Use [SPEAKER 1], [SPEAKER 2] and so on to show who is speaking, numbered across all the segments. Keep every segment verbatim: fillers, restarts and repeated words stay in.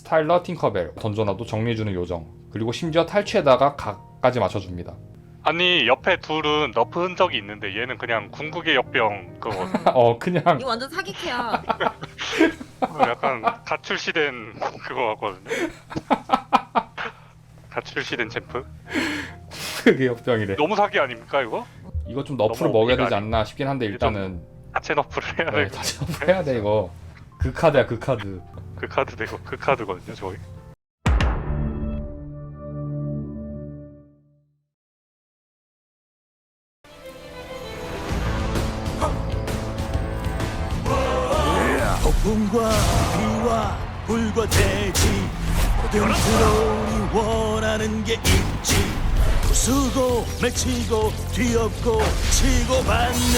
[SPEAKER 1] 타일러 팅커벨 던져놔도 정리해주는 요정, 그리고 심지어 탈취에다가 각까지 맞춰줍니다.
[SPEAKER 2] 아니 옆에 둘은 너프 흔적이 있는데 얘는 그냥 궁극의 역병 그거
[SPEAKER 1] 어 그냥
[SPEAKER 3] 이거 완전 사기캐야.
[SPEAKER 2] 어, 약간 갓 출시된 그거 같거든요. 갓 출시된 챔프.
[SPEAKER 1] 그게 역병이래.
[SPEAKER 2] 너무 사기 아닙니까 이거?
[SPEAKER 1] 이거 좀 너프를
[SPEAKER 2] 너무
[SPEAKER 1] 먹여야 되지
[SPEAKER 2] 아니-
[SPEAKER 1] 않나 싶긴 한데 일단은
[SPEAKER 2] 자체 너프를 해야
[SPEAKER 1] 네,
[SPEAKER 2] 되고
[SPEAKER 1] 다시 한번 해야 돼 이거. 그 카드야 그 카드.
[SPEAKER 2] 그 카드 되고 그 카드거든요 저희.
[SPEAKER 4] 폭풍과 비와 불과 대지 모든 트롤이 원하는 게 있지. 부수고 맺히고 뒤엎고 치고받는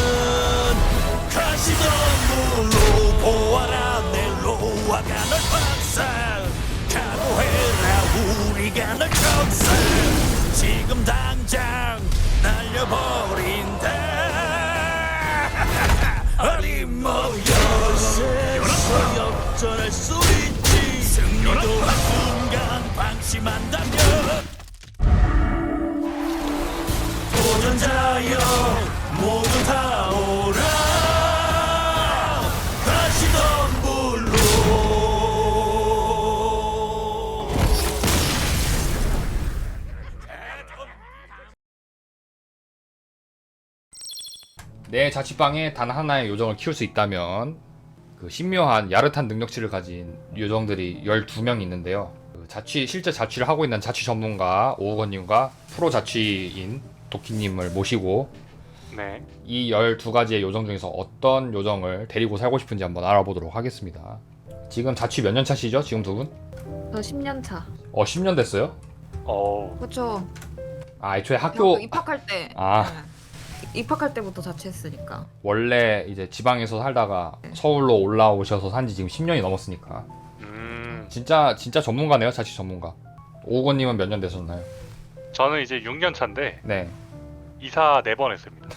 [SPEAKER 4] 가시덤불로 보아라 내 로아가 널 박살. 각오해라 우리가 널 격살. 지금 당장 날려버린다. 어림모여서 역전할 수 있지. 승리도 한순간 방심한다면 도전자여 모두 다 오라. 가시덤불로
[SPEAKER 1] 내 자취방에 단 하나의 요정을 키울 수 있다면 그 신묘한 야릇한 능력치를 가진 요정들이 열두 명 있는데요. 그 자취 실제 자취를 하고 있는 자취 전문가 오우건님과 프로 자취인 도끼님을 모시고
[SPEAKER 2] 네.
[SPEAKER 1] 이 열두 가지의 요정 중에서 어떤 요정을 데리고 살고 싶은지 한번 알아보도록 하겠습니다. 지금 자취 몇 년 차시죠? 지금 두 분?
[SPEAKER 3] 저 십 년 차.
[SPEAKER 1] 어 십 년 됐어요?
[SPEAKER 2] 어
[SPEAKER 3] 그렇죠.
[SPEAKER 1] 아 애초에 학교
[SPEAKER 3] 학교 입학할 때.
[SPEAKER 1] 아.
[SPEAKER 3] 네. 입학할 때부터 자취했으니까.
[SPEAKER 1] 원래 이제 지방에서 살다가
[SPEAKER 3] 네.
[SPEAKER 1] 서울로 올라오셔서 산지 지금 십 년이 넘었으니까
[SPEAKER 2] 음.
[SPEAKER 1] 진짜 진짜 전문가네요. 자취 전문가. 오우건님은 몇 년 되셨나요?
[SPEAKER 2] 저는 이제 육 년 차인데
[SPEAKER 1] 네.
[SPEAKER 2] 이사 네 번 했습니다.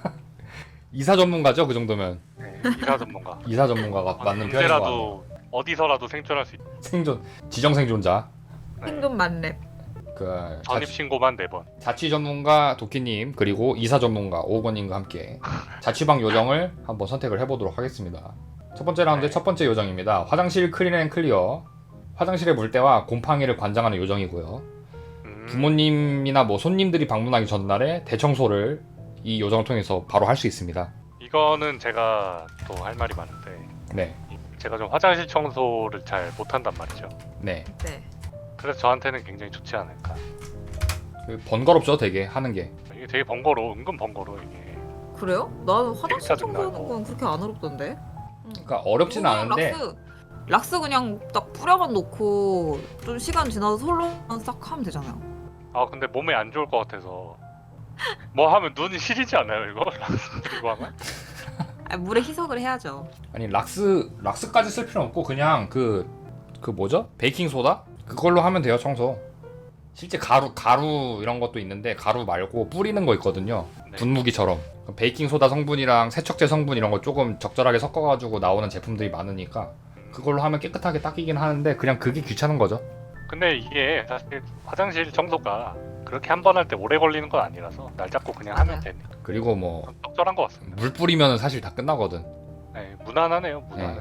[SPEAKER 1] 이사 전문가죠? 그 정도면
[SPEAKER 2] 네, 이사 전문가.
[SPEAKER 1] 이사 전문가가 맞는 편인 것 같아요.
[SPEAKER 2] 언제라도 어디서라도 생존할 수 있는
[SPEAKER 1] 생존 지정 생존자.
[SPEAKER 2] 네.
[SPEAKER 3] 생존 만렙.
[SPEAKER 1] 그
[SPEAKER 2] 전입
[SPEAKER 1] 자취,
[SPEAKER 2] 신고만 네 번.
[SPEAKER 1] 자취 전문가 도끼님 그리고 이사 전문가 오우건님과 함께 자취방 요정을 한번 선택을 해보도록 하겠습니다. 첫 번째 라운드
[SPEAKER 2] 네.
[SPEAKER 1] 첫 번째 요정입니다. 화장실 클린앤 클리어. 화장실의 물때와 곰팡이를 관장하는 요정이고요.
[SPEAKER 2] 음.
[SPEAKER 1] 부모님이나 뭐 손님들이 방문하기 전날에 대청소를 이 요정을 통해서 바로 할 수 있습니다.
[SPEAKER 2] 이거는 제가 또 할 말이 많은데
[SPEAKER 1] 네,
[SPEAKER 2] 제가 좀 화장실 청소를 잘 못한단 말이죠.
[SPEAKER 1] 네.
[SPEAKER 3] 네.
[SPEAKER 2] 그래서 저한테는 굉장히 좋지 않을까.
[SPEAKER 1] 그 번거롭죠, 되게 하는 게.
[SPEAKER 2] 이게 되게 번거로워, 은근 번거로워 이게.
[SPEAKER 3] 그래요? 나는 화장실
[SPEAKER 2] 짜증나고.
[SPEAKER 3] 청소하는 건 그렇게 안 어렵던데.
[SPEAKER 1] 그러니까 어렵지는
[SPEAKER 3] 그냥
[SPEAKER 1] 않은데
[SPEAKER 3] 락스, 락스 그냥 딱 뿌려만 놓고 좀 시간 지나서 솔로만 싹 하면 되잖아요.
[SPEAKER 2] 아 근데 몸에 안 좋을 것 같아서 뭐 하면 눈이 시리지 않아요 이거? 이거 하면?
[SPEAKER 3] 아니, 물에 희석을 해야죠.
[SPEAKER 1] 아니 락스 락스까지 쓸 필요 없고 그냥 그 그 뭐죠? 베이킹 소다? 그걸로 하면 돼요, 청소. 실제 가루 가루 이런 것도 있는데 가루 말고 뿌리는 거 있거든요.
[SPEAKER 2] 네.
[SPEAKER 1] 분무기처럼. 베이킹 소다 성분이랑 세척제 성분 이런 거 조금 적절하게 섞어가지고 나오는 제품들이 많으니까 그걸로 하면 깨끗하게 닦이긴 하는데 그냥 그게 귀찮은 거죠.
[SPEAKER 2] 근데 이게 사실 화장실 청소가 그렇게 한 번 할 때 오래 걸리는 건 아니라서 날 잡고 그냥 하면
[SPEAKER 3] 맞아요.
[SPEAKER 2] 되니까
[SPEAKER 1] 그리고 뭐
[SPEAKER 2] 적절한 것 같습니다.
[SPEAKER 1] 물 뿌리면 사실 다 끝나거든.
[SPEAKER 2] 네, 무난하네요 무난해.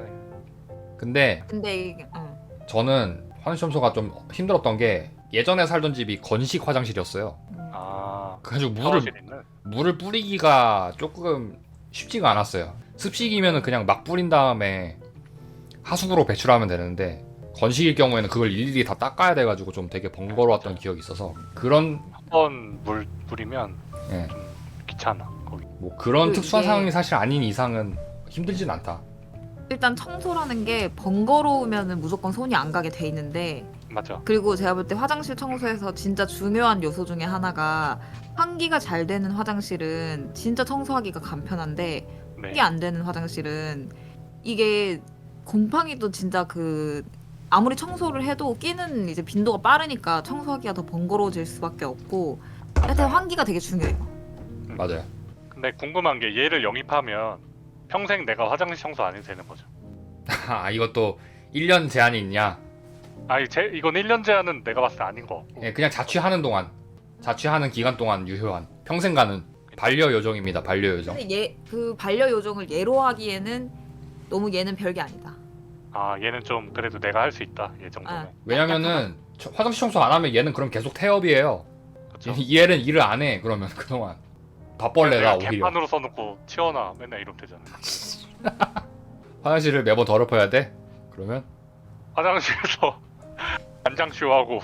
[SPEAKER 1] 근데
[SPEAKER 3] 근데 이게 응.
[SPEAKER 1] 저는 화장실 청소가 좀 힘들었던 게 예전에 살던 집이 건식 화장실이었어요.
[SPEAKER 2] 아
[SPEAKER 1] 그래가지고 물을
[SPEAKER 2] 샤워실 있는?
[SPEAKER 1] 물을 뿌리기가 조금 쉽지가 않았어요. 습식이면은 그냥 막 뿌린 다음에 하수구로 배출하면 되는데 건식일 경우에는 그걸 일일이 다 닦아야 돼가지고 좀 되게 번거로웠던 기억이 있어서 그런
[SPEAKER 2] 한 번 물 뿌리면
[SPEAKER 1] 예,
[SPEAKER 2] 좀 귀찮아 거기.
[SPEAKER 1] 뭐 그런
[SPEAKER 3] 그
[SPEAKER 1] 특수한
[SPEAKER 3] 이게-
[SPEAKER 1] 상황이 사실 아닌 이상은 힘들진 않다.
[SPEAKER 3] 일단 청소라는 게 번거로우면은 무조건 손이 안 가게 돼 있는데,
[SPEAKER 2] 맞아.
[SPEAKER 3] 그리고 제가 볼 때 화장실 청소에서 진짜 중요한 요소 중에 하나가 환기가 잘 되는 화장실은 진짜 청소하기가 간편한데
[SPEAKER 2] 네.
[SPEAKER 3] 환기 안 되는 화장실은 이게 곰팡이도 진짜 그 아무리 청소를 해도 끼는 이제 빈도가 빠르니까 청소하기가 더 번거로워질 수밖에 없고, 하여튼 환기가 되게 중요해요.
[SPEAKER 1] 맞아요.
[SPEAKER 2] 근데 궁금한 게 얘를 영입하면 평생 내가 화장실 청소 안 해도 되는 거죠.
[SPEAKER 1] 아 이것도 일 년 제한이 있냐?
[SPEAKER 2] 아니 제 이건 일 년 제한은 내가 봤을 때 아닌 거 같고.
[SPEAKER 1] 예, 그냥 자취하는 동안 자취하는 기간 동안 유효한 평생 가는 반려 요정입니다. 반려 요정.
[SPEAKER 3] 근데 얘 그 반려 요정을 얘로 하기에는 너무 얘는 별게 아니다.
[SPEAKER 2] 아 얘는 좀 그래도 내가 할 수 있다 얘 정도면.
[SPEAKER 3] 아,
[SPEAKER 1] 왜냐면은 저- 화장실 청소 안 하면 얘는 그럼 계속 태업이에요.
[SPEAKER 2] 그쵸?
[SPEAKER 1] 이 얘는 일을 안 해. 그러면 그동안 밥벌레다
[SPEAKER 2] 내가
[SPEAKER 1] 오히려.
[SPEAKER 2] 개판으로 써놓고 치워놔 맨날 이러면 되잖아.
[SPEAKER 1] 화장실을 매번 더럽혀야 돼? 그러면
[SPEAKER 2] 화장실에서 안장쇼하고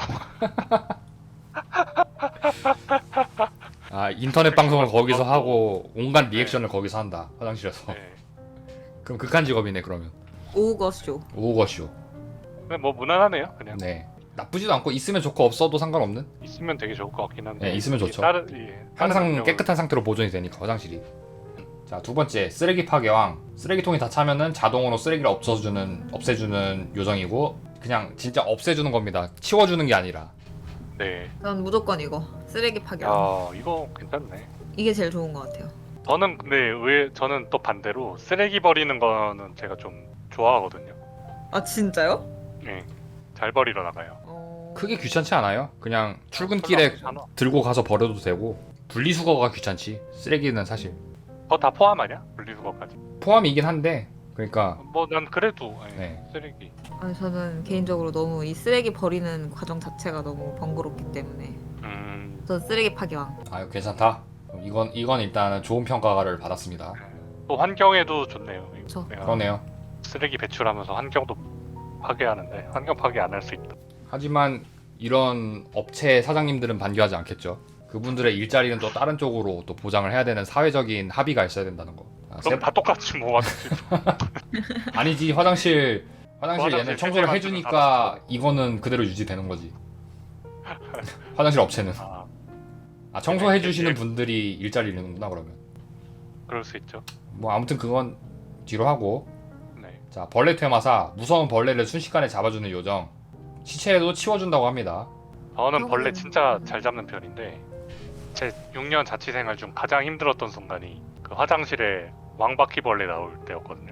[SPEAKER 1] 아 인터넷 방송을 거기서 하고 온갖 리액션을 거기서 한다. 화장실에서.
[SPEAKER 2] 네.
[SPEAKER 1] 그럼 극한 직업이네 그러면.
[SPEAKER 3] 오거쇼.
[SPEAKER 1] 오거쇼.
[SPEAKER 2] 근데 뭐 무난하네요 그냥.
[SPEAKER 1] 네. 나쁘지도 않고 있으면 좋고 없어도 상관없는.
[SPEAKER 2] 있으면 되게 좋을 것 같긴 한데.
[SPEAKER 1] 네, 있으면
[SPEAKER 2] 이게
[SPEAKER 1] 좋죠.
[SPEAKER 2] 다른, 예, 다른
[SPEAKER 1] 항상
[SPEAKER 2] 능력을-
[SPEAKER 1] 깨끗한 상태로 보존이 되니까 화장실이. 자, 두 번째 쓰레기 파괴왕. 쓰레기통이 다 차면은 자동으로 쓰레기를 없애주는 없애주는 요정이고 그냥 진짜 없애주는 겁니다. 치워주는 게 아니라.
[SPEAKER 2] 네.
[SPEAKER 3] 전 무조건 이거 쓰레기 파괴.
[SPEAKER 2] 야 이거 괜찮네.
[SPEAKER 3] 이게 제일 좋은 것 같아요.
[SPEAKER 2] 저는 근데 왜 저는 또 반대로 쓰레기 버리는 거는 제가 좀 좋아하거든요.
[SPEAKER 3] 아 진짜요?
[SPEAKER 2] 네. 잘 버리러 나가요.
[SPEAKER 3] 어...
[SPEAKER 1] 크게 귀찮지 않아요. 그냥 출근길에
[SPEAKER 2] 별로 안
[SPEAKER 1] 들고 가서 버려도 되고 분리수거가 귀찮지. 쓰레기는 사실
[SPEAKER 2] 그거 다 포함 아니야? 분리수거까지.
[SPEAKER 1] 포함이긴 한데 그러니까
[SPEAKER 2] 뭐 난 그래도 아니,
[SPEAKER 1] 네.
[SPEAKER 2] 쓰레기.
[SPEAKER 3] 아니, 저는 개인적으로 너무 이 쓰레기 버리는 과정 자체가 너무 번거롭기 때문에
[SPEAKER 2] 음.
[SPEAKER 3] 전 쓰레기 파괴왕.
[SPEAKER 1] 아유 괜찮다. 그럼 이건 이건 일단은 좋은 평가를 받았습니다.
[SPEAKER 2] 또 환경에도 좋네요.
[SPEAKER 3] 그쵸.
[SPEAKER 2] 내가
[SPEAKER 1] 그러네요.
[SPEAKER 2] 쓰레기 배출하면서 환경도 파괴하는데 환경 파괴 안 할 수 있다.
[SPEAKER 1] 하지만 이런 업체 사장님들은 반기하지 않겠죠. 그분들의 일자리는 또 다른 쪽으로 또 보장을 해야 되는 사회적인 합의가 있어야 된다는 거. 아,
[SPEAKER 2] 그럼
[SPEAKER 1] 세-
[SPEAKER 2] 다 똑같이 뭐 화장실.
[SPEAKER 1] 아니지 화장실 화장실
[SPEAKER 2] 화장실
[SPEAKER 1] 얘는 청소를
[SPEAKER 2] 세제
[SPEAKER 1] 해주니까
[SPEAKER 2] 만드는
[SPEAKER 1] 이거는 그대로 유지되는 거지. 화장실 업체는
[SPEAKER 2] 아
[SPEAKER 1] 아 청소해 주시는
[SPEAKER 2] 예.
[SPEAKER 1] 분들이 일자리 잃는구나 그러면.
[SPEAKER 2] 그럴 수 있죠.
[SPEAKER 1] 뭐 아무튼 그건 뒤로 하고
[SPEAKER 2] 네.
[SPEAKER 1] 자 벌레 퇴마사 무서운 벌레를 순식간에 잡아주는 요정 시체에도 치워준다고 합니다.
[SPEAKER 2] 저는 벌레
[SPEAKER 3] 그러면은-
[SPEAKER 2] 진짜 잘 잡는 편인데 제 육 년 자취 생활 중 가장 힘들었던 순간이 그 화장실에 왕바퀴벌레 나올 때였거든요.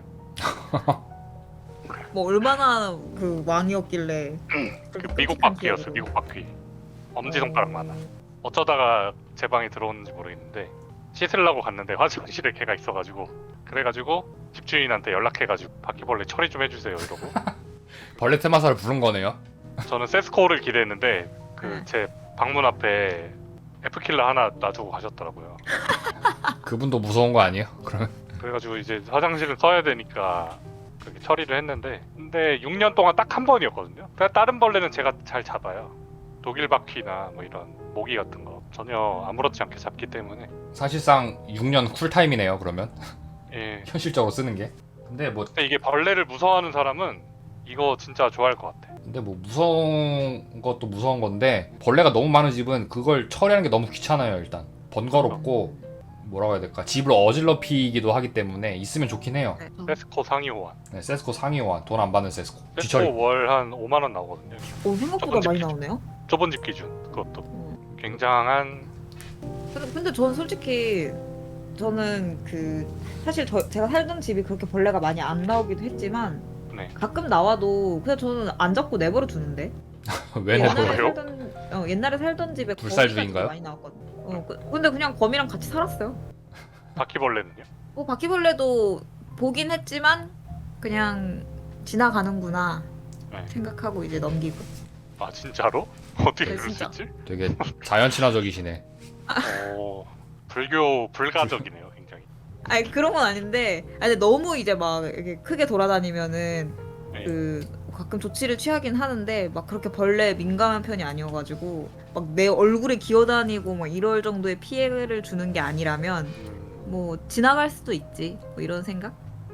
[SPEAKER 3] 뭐 얼마나 그 왕이었길래
[SPEAKER 2] 그 미국 바퀴였어요. 미국 바퀴. 엄지 손가락만 한. 어쩌다가 제 방에 들어오는지 모르겠는데 씻으려고 갔는데 화장실에 걔가 있어가지고 그래가지고 집주인한테 연락해가지고 바퀴벌레 처리 좀 해주세요 이러고
[SPEAKER 1] 벌레 퇴마사를 부른 거네요.
[SPEAKER 2] 저는 세스코를 기대했는데 그
[SPEAKER 3] 네.
[SPEAKER 2] 제 방문 앞에 F킬러 하나 놔두고 가셨더라고요.
[SPEAKER 1] 그분도 무서운 거 아니에요? 그러면
[SPEAKER 2] 그래가지고 이제 화장실을 써야 되니까 그렇게 처리를 했는데 근데 육 년 동안 딱 한 번이었거든요. 그러니까 다른 벌레는 제가 잘 잡아요. 독일 바퀴나 뭐 이런 모기 같은 거 전혀 아무렇지 않게 잡기 때문에
[SPEAKER 1] 사실상 육 년 쿨타임이네요. 그러면
[SPEAKER 2] 예.
[SPEAKER 1] 현실적으로 쓰는 게. 근데 뭐
[SPEAKER 2] 근데 이게 벌레를 무서워하는 사람은 이거 진짜 좋아할 것 같아.
[SPEAKER 1] 근데 뭐 무서운 것도 무서운 건데 벌레가 너무 많은 집은 그걸 처리하는 게 너무 귀찮아요. 일단 번거롭고 뭐라고 해야 될까 집을 어질러피기도 하기 때문에 있으면 좋긴 해요.
[SPEAKER 3] 네, 저-
[SPEAKER 2] 세스코 상위 호환.
[SPEAKER 1] 네, 세스코 상위 호환 돈 안 받는 세스코 뒤처리.
[SPEAKER 2] 세스코 월 한 오만 원 나오거든요.
[SPEAKER 3] 오, 생각보다 많이 나오네요.
[SPEAKER 2] 좁은 집 기준 그것도
[SPEAKER 3] 음.
[SPEAKER 2] 굉장한.
[SPEAKER 3] 근데, 근데 전 솔직히 저는 그 사실 저, 제가 살던 집이 그렇게 벌레가 많이 안 나오기도 했지만
[SPEAKER 2] 네.
[SPEAKER 3] 가끔 나와도 그냥 저는 안 잡고 내버려 두는데
[SPEAKER 1] 왜
[SPEAKER 3] 옛날에
[SPEAKER 1] 내버려요?
[SPEAKER 2] 그래요?
[SPEAKER 3] 살던 어, 옛날에 살던 집에
[SPEAKER 1] 불살주의인가요?
[SPEAKER 3] 거미가 많이 나왔거든요. 어, 그, 근데 그냥 거미랑 같이 살았어요.
[SPEAKER 2] 바퀴벌레는요?
[SPEAKER 3] 뭐 바퀴벌레도 보긴 했지만 그냥 지나가는구나
[SPEAKER 2] 네.
[SPEAKER 3] 생각하고 이제 넘기고.
[SPEAKER 2] 아 진짜로? 어떻게
[SPEAKER 3] 네,
[SPEAKER 2] 그럴 수
[SPEAKER 3] 진짜.
[SPEAKER 2] 있지?
[SPEAKER 1] 되게 자연 친화적이시네.
[SPEAKER 2] 어, 불교 불가적이네요, 굉장히.
[SPEAKER 3] 아니 그런 건 아닌데, 아니 근데 너무 이제 막 이렇게 크게 돌아다니면은
[SPEAKER 2] 네.
[SPEAKER 3] 그 가끔 조치를 취하긴 하는데 막 그렇게 벌레 민감한 편이 아니어가지고 막 내 얼굴에 기어다니고 막 이럴 정도의 피해를 주는 게 아니라면
[SPEAKER 2] 음,
[SPEAKER 3] 뭐 지나갈 수도 있지 뭐 이런 생각?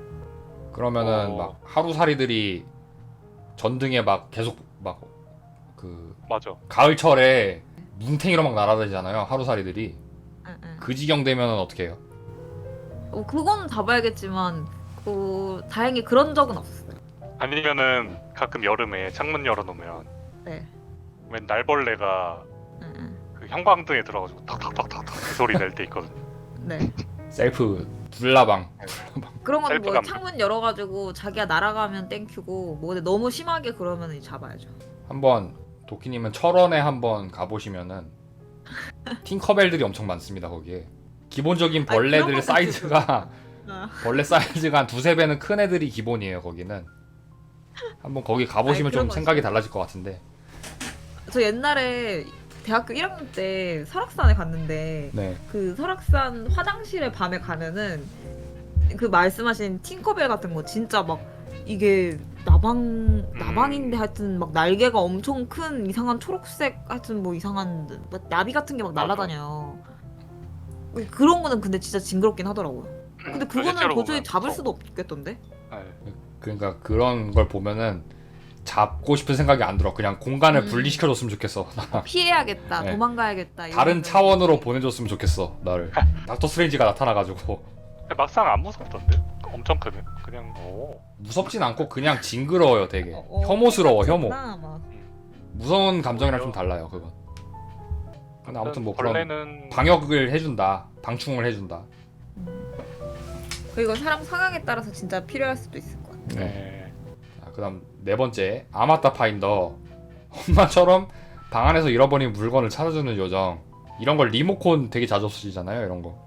[SPEAKER 1] 그러면은
[SPEAKER 2] 어.
[SPEAKER 1] 막 하루살이들이 전등에 막 계속 막 그
[SPEAKER 2] 맞아.
[SPEAKER 1] 가을철에 뭉탱이로 막 날아다니잖아요. 하루살이들이.
[SPEAKER 3] 응, 응.
[SPEAKER 1] 그 지경 되면은 어떻게 해요?
[SPEAKER 3] 어, 그거는 다 봐야겠지만 그 다행히 그런 적은 없었어요.
[SPEAKER 2] 아니면은 가끔 여름에 창문 열어놓으면
[SPEAKER 3] 네.
[SPEAKER 2] 웬 날벌레가
[SPEAKER 3] 응, 응.
[SPEAKER 2] 그 형광등에 들어가지고 탁탁탁탁탁 그 소리 낼 때 있거든요.
[SPEAKER 3] 네.
[SPEAKER 1] 셀프 불나방.
[SPEAKER 3] 그런 거는 뭐
[SPEAKER 2] 셀프감.
[SPEAKER 3] 창문 열어가지고 자기가 날아가면 땡큐고 뭐 근데 너무 심하게 그러면 잡아야죠.
[SPEAKER 1] 한번 도끼님은 철원에 한번 가보시면은 팅커벨들이 엄청 많습니다 거기에. 기본적인
[SPEAKER 3] 아니,
[SPEAKER 1] 벌레들
[SPEAKER 3] 그런 것도
[SPEAKER 1] 사이즈가
[SPEAKER 3] 어.
[SPEAKER 1] 벌레 사이즈가 한 두세 배는 큰 애들이 기본이에요 거기는. 한번 거기 가보시면
[SPEAKER 3] 아니, 그런
[SPEAKER 1] 좀
[SPEAKER 3] 거
[SPEAKER 1] 생각이
[SPEAKER 3] 있어요.
[SPEAKER 1] 달라질 것 같은데.
[SPEAKER 3] 저 옛날에 대학교 일 학년 때 설악산에 갔는데
[SPEAKER 1] 네.
[SPEAKER 3] 그 설악산 화장실에 밤에 가면은 그 말씀하신 팅커벨 같은 거 진짜 막 이게 나방 나방인데 하여튼 막 날개가 엄청 큰 이상한 초록색 하여튼 뭐 이상한 뭐 나비 같은 게 막
[SPEAKER 2] 맞아.
[SPEAKER 3] 날아다녀요. 그런 거는 근데 진짜 징그럽긴 하더라고요. 근데 그거는
[SPEAKER 2] 실제로
[SPEAKER 3] 도저히
[SPEAKER 2] 보면
[SPEAKER 3] 잡을
[SPEAKER 2] 무서워.
[SPEAKER 3] 수도 없겠던데?
[SPEAKER 2] 네.
[SPEAKER 1] 그러니까 그런 걸 보면은 잡고 싶은 생각이 안 들어. 그냥 공간을
[SPEAKER 3] 음.
[SPEAKER 1] 분리시켜줬으면 좋겠어.
[SPEAKER 3] 피해야겠다,
[SPEAKER 1] 네.
[SPEAKER 3] 도망가야겠다.
[SPEAKER 1] 다른
[SPEAKER 3] 이러면은.
[SPEAKER 1] 차원으로 보내줬으면 좋겠어 나를. 닥터 스트레인지가 나타나가지고.
[SPEAKER 2] 근데 막상 안 무섭던데? 엄청 크네. 그냥 오.
[SPEAKER 1] 무섭진 않고 그냥 징그러워요 되게.
[SPEAKER 3] 어, 어,
[SPEAKER 1] 혐오스러워 혐오.
[SPEAKER 3] 괜찮구나, 막.
[SPEAKER 1] 무서운 감정이랑 좀 달라요 그건. 근데 아무튼 뭐 그런
[SPEAKER 2] 벌레는
[SPEAKER 1] 방역을 해준다. 방충을 해준다.
[SPEAKER 3] 그리고 사람 성향에 따라서 진짜 필요할 수도 있을 것 같아.
[SPEAKER 1] 네.
[SPEAKER 2] 네.
[SPEAKER 1] 자, 그다음 네 번째 아마타 파인더. 엄마처럼 방 안에서 잃어버린 물건을 찾아주는 요정. 이런 걸 리모콘 되게 자주 없어지잖아요 이런 거.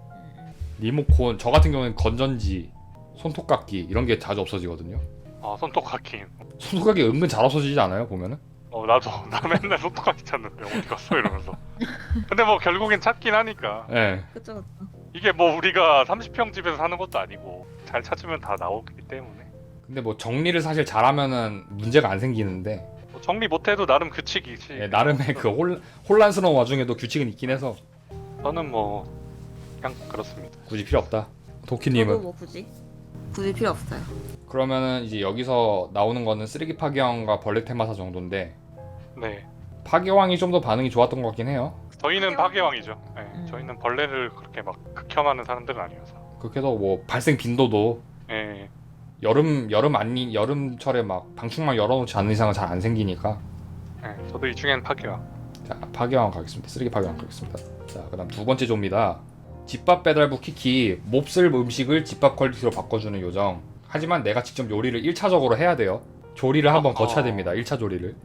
[SPEAKER 1] 리모콘 저 같은 경우는 건전지, 손톱깎이 이런 게 자주 없어지거든요.
[SPEAKER 2] 아 손톱깎이.
[SPEAKER 1] 손톱깎이 은근 잘 없어지지 않아요 보면은?
[SPEAKER 2] 어 나도 나 맨날 손톱깎이 찾는데 어디 갔어 이러면서. 근데 뭐 결국엔 찾긴 하니까.
[SPEAKER 1] 예. 네.
[SPEAKER 3] 그쵸, 그쵸.
[SPEAKER 2] 이게 뭐 우리가 삼십 평 집에서 사는 것도 아니고 잘 찾으면 다 나오기 때문에.
[SPEAKER 1] 근데 뭐 정리를 사실 잘하면은 문제가 안 생기는데
[SPEAKER 2] 뭐 정리 못해도 나름 규칙이지.
[SPEAKER 1] 예, 나름의 그 혼, 혼란스러운 와중에도 규칙은 있긴 해서
[SPEAKER 2] 저는 뭐 그냥 그렇습니다.
[SPEAKER 1] 굳이 필요 없다.
[SPEAKER 3] 저도
[SPEAKER 1] 도끼님은?
[SPEAKER 3] 뭐 굳이 굳이 필요 없어요.
[SPEAKER 1] 그러면은 이제 여기서 나오는 거는 쓰레기 파괴왕과 벌레 테마사 정도인데
[SPEAKER 2] 네.
[SPEAKER 1] 파괴왕이 좀 더 반응이 좋았던 것 같긴 해요.
[SPEAKER 2] 저희는 파괴왕이죠. 네.
[SPEAKER 3] 음.
[SPEAKER 2] 저희는 벌레를 그렇게 막 극혐하는 사람들은 아니어서.
[SPEAKER 1] 그렇게 해서 뭐 발생 빈도도
[SPEAKER 2] 예.
[SPEAKER 1] 여름 여름 아니 여름철에 막 방충망 열어놓지 않는 이상은 잘 안 생기니까.
[SPEAKER 2] 예. 저도 이 중엔 파괴왕.
[SPEAKER 1] 자 파괴왕 가겠습니다. 쓰레기 파괴왕 가겠습니다. 자 그다음 두 번째 조입니다. 집밥 배달부 키키 몹쓸 음식을 집밥 퀄리티로 바꿔주는 요정. 하지만 내가 직접 요리를 일 차적으로 해야 돼요. 조리를 한번
[SPEAKER 2] 어허.
[SPEAKER 1] 거쳐야 됩니다. 일 차 조리를.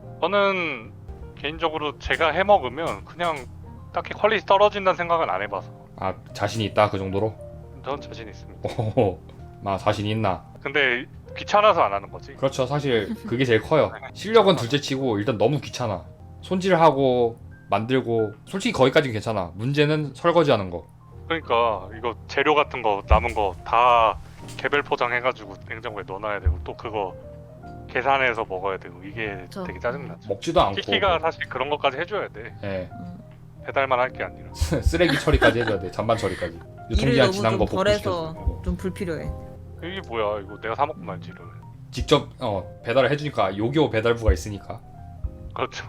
[SPEAKER 2] 저는 개인적으로 제가 해 먹으면 그냥 딱히 퀄리티 떨어진다는 생각은 안 해봐서
[SPEAKER 1] 아 자신이 있다 그 정도로?
[SPEAKER 2] 전 자신 있습니다.
[SPEAKER 1] 오호호. 마 자신이 있나?
[SPEAKER 2] 근데 귀찮아서 안 하는 거지.
[SPEAKER 1] 그렇죠. 사실 그게 제일 커요. 실력은 둘째치고 일단 너무 귀찮아. 손질하고 만들고 솔직히 거기까지는 괜찮아. 문제는 설거지하는 거.
[SPEAKER 2] 그러니까 이거 재료 같은 거 남은 거 다 개별 포장해가지고 냉장고에 넣어놔야 되고 또 그거 계산해서 먹어야 되고 이게
[SPEAKER 3] 그쵸.
[SPEAKER 2] 되게 짜증나죠.
[SPEAKER 1] 먹지도 않고.
[SPEAKER 2] 키키가 사실 그런 것까지 해줘야 돼.
[SPEAKER 1] 예.
[SPEAKER 3] 음.
[SPEAKER 2] 배달만 할 게 아니라.
[SPEAKER 1] 쓰레기 처리까지 해줘야 돼. 잔반 처리까지.
[SPEAKER 3] 일을
[SPEAKER 1] 유통기한
[SPEAKER 3] 너무
[SPEAKER 1] 지난
[SPEAKER 3] 좀
[SPEAKER 1] 거 복구시켜줘.
[SPEAKER 3] 덜해서
[SPEAKER 1] 어.
[SPEAKER 3] 좀 불필요해.
[SPEAKER 2] 이게 뭐야 이거 내가 사 먹고 말지 이러면.
[SPEAKER 1] 직접 어, 배달을 해주니까 요교 배달부가 있으니까.
[SPEAKER 2] 그렇죠.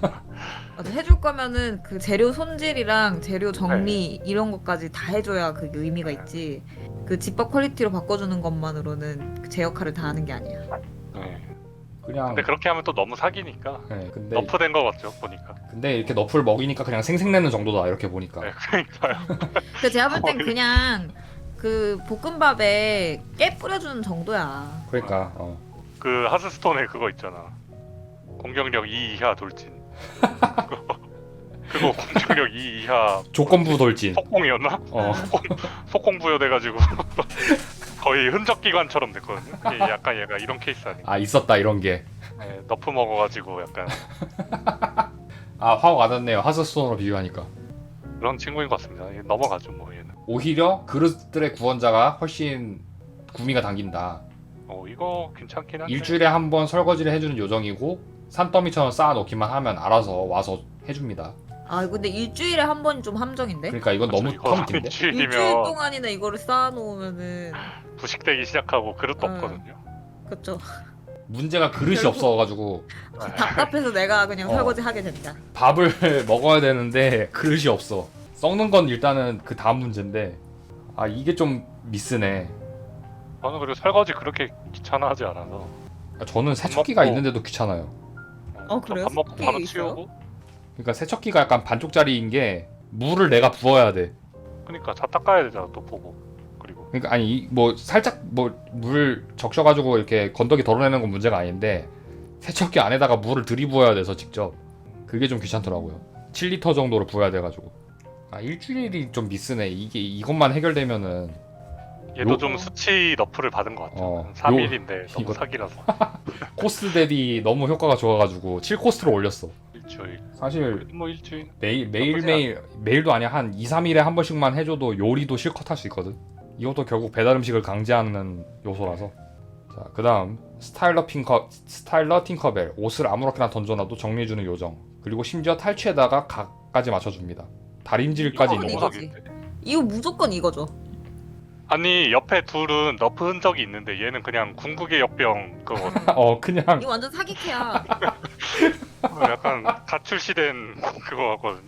[SPEAKER 3] 맞아, 해줄 거면은 그 재료 손질이랑 재료 정리 이런 것까지 다 해줘야 그게 의미가 있지. 그 집밥 퀄리티로 바꿔주는 것만으로는 그제 역할을 다 하는 게 아니야.
[SPEAKER 2] 네.
[SPEAKER 1] 그냥.
[SPEAKER 2] 근데 그렇게 하면 또 너무 사기니까
[SPEAKER 1] 예, 근데
[SPEAKER 2] 너프된 거 같죠 보니까.
[SPEAKER 1] 근데 이렇게 너프를 먹이니까 그냥 생색내는 정도다 이렇게 보니까.
[SPEAKER 2] 네, 그러니까요.
[SPEAKER 3] 근데 제가 볼 땐
[SPEAKER 2] 거의-
[SPEAKER 3] 그냥 그 볶음밥에 깨 뿌려주는 정도야.
[SPEAKER 1] 그러니까 어.
[SPEAKER 2] 그 하스스톤에 그거 있잖아. 공격력 이 이하 돌진. 그거, 그거 공격력 이 이하
[SPEAKER 1] 조건부 돌진.
[SPEAKER 2] 속공이었나?
[SPEAKER 1] 어.
[SPEAKER 2] 속공 부여돼가지고 거의 흔적 기관처럼 됐거든요. 이게 약간 얘가 이런 케이스 아닌가?
[SPEAKER 1] 아 있었다 이런 게.
[SPEAKER 2] 네, 너프 먹어가지고 약간
[SPEAKER 1] 아 화가 와닿네요. 하스스톤으로 비교하니까.
[SPEAKER 2] 그런 친구인 것 같습니다. 얘 넘어가죠 뭐 얘는.
[SPEAKER 1] 오히려 그릇들의 구원자가 훨씬 구미가 당긴다.
[SPEAKER 2] 어 이거 괜찮긴 한데.
[SPEAKER 1] 일주일에 한 번 설거지를 해주는 요정이고 산더미처럼 쌓아놓기만 하면 알아서 와서 해줍니다.
[SPEAKER 3] 아 근데 일주일에 한 번 좀 함정인데?
[SPEAKER 1] 그러니까 이건 너무
[SPEAKER 2] 그렇죠, 이거
[SPEAKER 1] 텀 긴데?
[SPEAKER 3] 일주일
[SPEAKER 2] 일주일이면
[SPEAKER 3] 동안이나 이거를 쌓아놓으면은
[SPEAKER 2] 부식되기 시작하고 그릇도
[SPEAKER 3] 음.
[SPEAKER 2] 없거든요.
[SPEAKER 3] 그쵸.
[SPEAKER 1] 문제가 그릇이
[SPEAKER 3] 결국-
[SPEAKER 1] 없어가지고
[SPEAKER 3] 답답해서 내가 그냥
[SPEAKER 1] 어.
[SPEAKER 3] 설거지 하게 된다.
[SPEAKER 1] 밥을 먹어야 되는데 그릇이 없어. 썩는 건 일단은 그 다음 문제인데 아 이게 좀 미스네.
[SPEAKER 2] 저는 그리고 설거지 그렇게 귀찮아하지 않아서.
[SPEAKER 1] 아, 저는 세척기가
[SPEAKER 2] 먹고-
[SPEAKER 1] 있는데도 귀찮아요.
[SPEAKER 3] 어, 그래요?
[SPEAKER 2] 밥 먹고
[SPEAKER 3] 세척기
[SPEAKER 2] 바로
[SPEAKER 3] 있어요?
[SPEAKER 2] 치우고.
[SPEAKER 1] 그러니까 세척기가 약간 반쪽짜리인 게 물을 내가 부어야 돼.
[SPEAKER 2] 그러니까 다 닦아야 되잖아 또 보고. 그리고
[SPEAKER 1] 그러니까 아니 이- 뭐 살짝 뭐 물 적셔가지고 이렇게 건더기 덜어내는 건 문제가 아닌데 세척기 안에다가 물을 들이부어야 돼서 직접 그게 좀 귀찮더라고요. 칠 리터 정도를 부어야 돼가지고 아 일주일이 좀 미스네. 이게 이것만 해결되면은
[SPEAKER 2] 얘도
[SPEAKER 1] 요-
[SPEAKER 2] 좀 수치 너프를 받은 것 같죠.
[SPEAKER 1] 어,
[SPEAKER 2] 삼
[SPEAKER 1] 요-
[SPEAKER 2] 일인데 너무
[SPEAKER 1] 이거-
[SPEAKER 2] 사기라서
[SPEAKER 1] 코스트 대비 너무 효과가 좋아가지고 칠 코스트로 올렸어.
[SPEAKER 2] 일주일.
[SPEAKER 1] 사실
[SPEAKER 2] 뭐 일주일.
[SPEAKER 1] 매일 매일
[SPEAKER 2] 나쁘지
[SPEAKER 1] 매일 매일도 아니야 한 이, 삼 일에 한 번씩만 해줘도 요리도 실컷 할 수 있거든. 이것도 결국 배달 음식을 강제하는 요소라서. 자 그다음 스타일러 핑커 스타일러 팅커벨 옷을 아무렇게나 던져놔도 정리해주는 요정. 그리고 심지어 탈취에다가 각까지 맞춰줍니다. 다림질까지
[SPEAKER 3] 이거
[SPEAKER 1] 있는
[SPEAKER 2] 너무
[SPEAKER 1] 거.
[SPEAKER 3] 이거지.
[SPEAKER 2] 사기인데.
[SPEAKER 3] 이거 무조건 이거죠.
[SPEAKER 2] 아니 옆에 둘은 너프 흔적이 있는데 얘는 그냥 궁극의 역병 그거
[SPEAKER 1] 어 그냥
[SPEAKER 3] 이거 완전 사기캐야.
[SPEAKER 2] 약간 가출시된 그거 같거든요.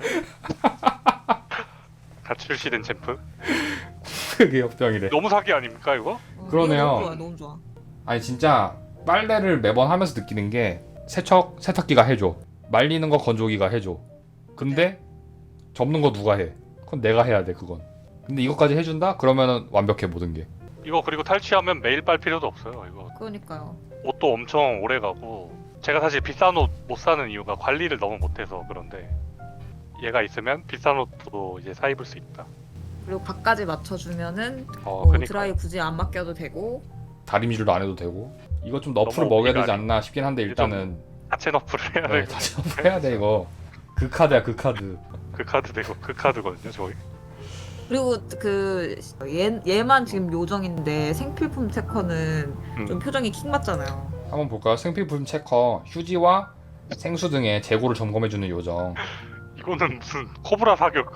[SPEAKER 2] 가출시된 챔프?
[SPEAKER 1] 그게 역병이래.
[SPEAKER 2] 너무 사기 아닙니까 이거?
[SPEAKER 3] 어,
[SPEAKER 1] 그러네요.
[SPEAKER 3] 이거 너무 좋아, 너무 좋아.
[SPEAKER 1] 아니 진짜 빨래를 매번 하면서 느끼는 게 세척 세탁기가 해줘. 말리는 거 건조기가 해줘. 근데 접는 거 누가 해? 그건 내가 해야 돼 그건. 근데 이것까지 해준다? 그러면은 완벽해 모든 게.
[SPEAKER 2] 이거 그리고 탈취하면 매일 빨 필요도 없어요. 이거
[SPEAKER 3] 그러니까요.
[SPEAKER 2] 옷도 엄청 오래 가고 제가 사실 비싼 옷 못 사는 이유가 관리를 너무 못해서 그런데 얘가 있으면 비싼 옷도 이제 사 입을 수 있다.
[SPEAKER 3] 그리고 밖까지 맞춰주면은
[SPEAKER 2] 어,
[SPEAKER 3] 뭐
[SPEAKER 2] 그러니까
[SPEAKER 3] 드라이 굳이 안 맡겨도 되고.
[SPEAKER 1] 다림질도 안 해도 되고. 이거 좀 너프를
[SPEAKER 2] 너무
[SPEAKER 1] 먹여야 되지
[SPEAKER 2] 오피가
[SPEAKER 1] 않나 싶긴 한데
[SPEAKER 2] 이게
[SPEAKER 1] 일단은
[SPEAKER 2] 하체 너프를 해야
[SPEAKER 1] 네,
[SPEAKER 2] 되고
[SPEAKER 1] 다시 한번 해야 돼 이거. 그 카드야 그 카드.
[SPEAKER 2] 그 카드 되고 그 카드거든요 저희.
[SPEAKER 3] 그리고 그 얘, 얘만 지금 요정인데 생필품 체커는
[SPEAKER 2] 음.
[SPEAKER 3] 좀 표정이 킥 맞잖아요.
[SPEAKER 1] 한번 볼까요? 생필품 체커, 휴지와 생수 등의 재고를 점검해주는 요정.
[SPEAKER 2] 이거는 무슨 코브라 사격